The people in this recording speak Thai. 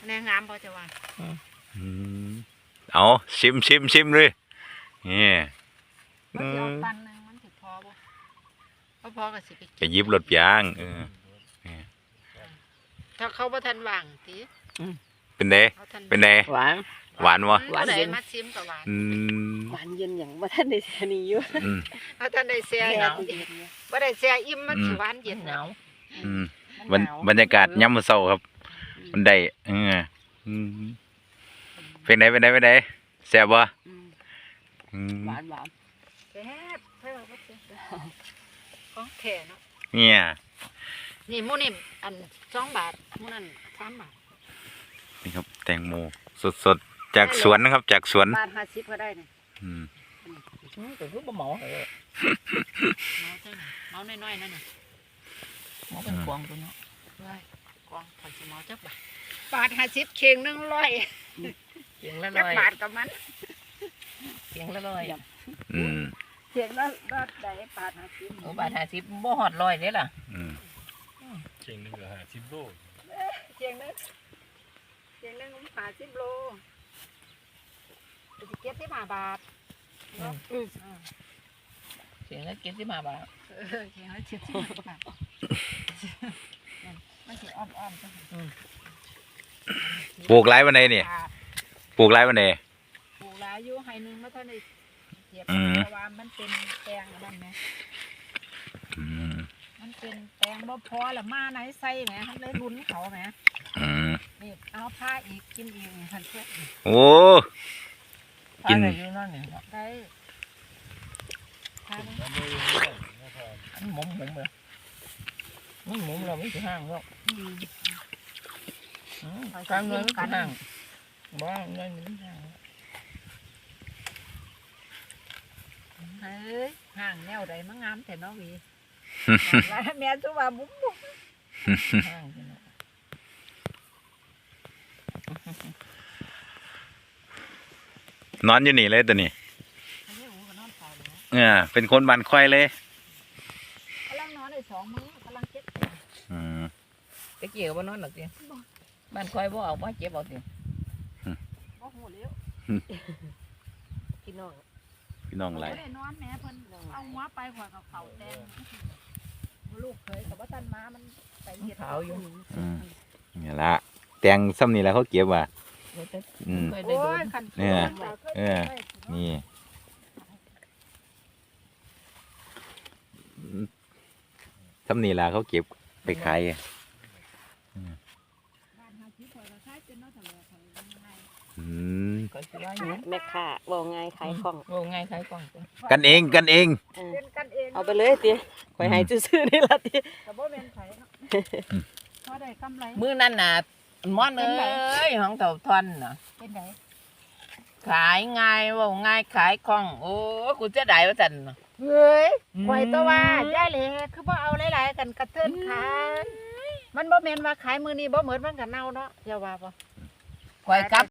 แนงงามพอจะว่าเอาชิมเลยนี่มันจะเอาปันหนึ่งมันถึงพอบ่พอก็สิไปจะยิบรถยางถ้าเขาบ่ทันว่างติเป็นไดเขาทันเป็นไดหวานหวานวะหวานเย็นมาชิมกับหวานหวานเย็นอย่างว่าท่านในแทนี่อยู่เขาทันได้เสียหนาวบ่ได้เสียอิ่มมันสิหวานเย็นหนาวบรรยากาศย่ำมื้อเช้าครับ มันได้เป็นไดแซ่บบ่หวานหวานแซ่บเพิ่นว่าแซ่บของแท้เนาะเนี่ยนี่หมูนี่อัน2 บาทหมูนั่น3 บาทนี่ครับแตงโมสดๆจากสวนนะครับ จากสวนบาท50ก็ได้นี่แต่คือบ่เหมาเหรอเมาใช่ไหมเมาน้อยๆนั่นน่ะเหมาเป็นกวางตัวเนาะกองขอนสิเมาจักบาท50เข่ง100 เสียงละจักร้อยบาทกับมันเสียงละร้อยเข่งละบาทใดบาท50 โอ้บาท50บ่ฮอดร้อยเด้ล่ะเก่งหนึ่งเหลือ50 โลเข่งนึง50 โลสิเก็บ15 บาทเนาะเสียงละ75 บาทเข่งละ75 บาทมันสิอ้อมๆจังปลูกไรวันไหนเนี่ยปลูกไรวันไหนปลูกหลายอยู่ให้นึงมาเท่านี้เก็บเพราะว่ามันเป็นแปลงนั่นแหมมันเป็นแปลงบ่พอละมาไหนใส่แหมมันเลยลุ้นเขาแหมนี่เอาผ้าอีกกินอีกนี่หั่นเพื่อโอ้ กินอะไรอยู่นั่นนี่ได้ผ้านึงแล้วไม่ได้นะครับหมุมเลยมันหมุมเราไม่ถึงห้างหรอกการเงินไม่ถึงห้างบ้าเงินไม่ถึงห้างเฮ้ยห่างแนวใดมางามแต่เนาะหวีแล้วแม่ตัวว่าบุ้มห้างเนาะนอนอยู่นี่เลยตัวนี้อันนี้หูก็นอนเฝ้าเลยนะเป็นคนบ้านควายเลยกำลังนอนได้2 มื้อกำลังเก็บตะเกียบว่านอนหรอกจีบ้านคอยบ่เอาบ่เจ็บเอาสิบ่หูแล้วพี่น้องพี่น้องไรบ่ได้นอนแม่เพิ่นเอาหัวไปขวดกับเขาแตงลูกเคยกับว่าตันมามันไปเฮ็ดขาวอยู่นี่ละแตงซ้ำนี่แหละเขาเก็บว่ะเคยได้โอ้โดยนคันนี่ซ้ำนี่แหละเขาเก็บไปขายก็สิว่าอยู่แม่ค้าบอกไงขายของโอ้ง่ายขายกล่องจ้ะกันเองเป็นกันเองเอาไปเลยติข่อยให้ซื่อๆนี่ล่ะติแต่บ่แม่นไผเนาะพอได้กำไรมื้อนั้นน่ะม่อนเอ้ยของเต่าทอนน่ะเป็นไดขายง่ายเว่าง่ายขายคล่องโอ้กูจะได้ว่าจันน่ะเฮ้ยข่อยตัวว่าย่าเหลคือบ่เอาหลายๆกันกระเทินขายมันบ่แม่นว่าขายมื้อนี้บ่เหมือนมันก็เน่าเนาะอย่าว่าบ่ข่อยกลับ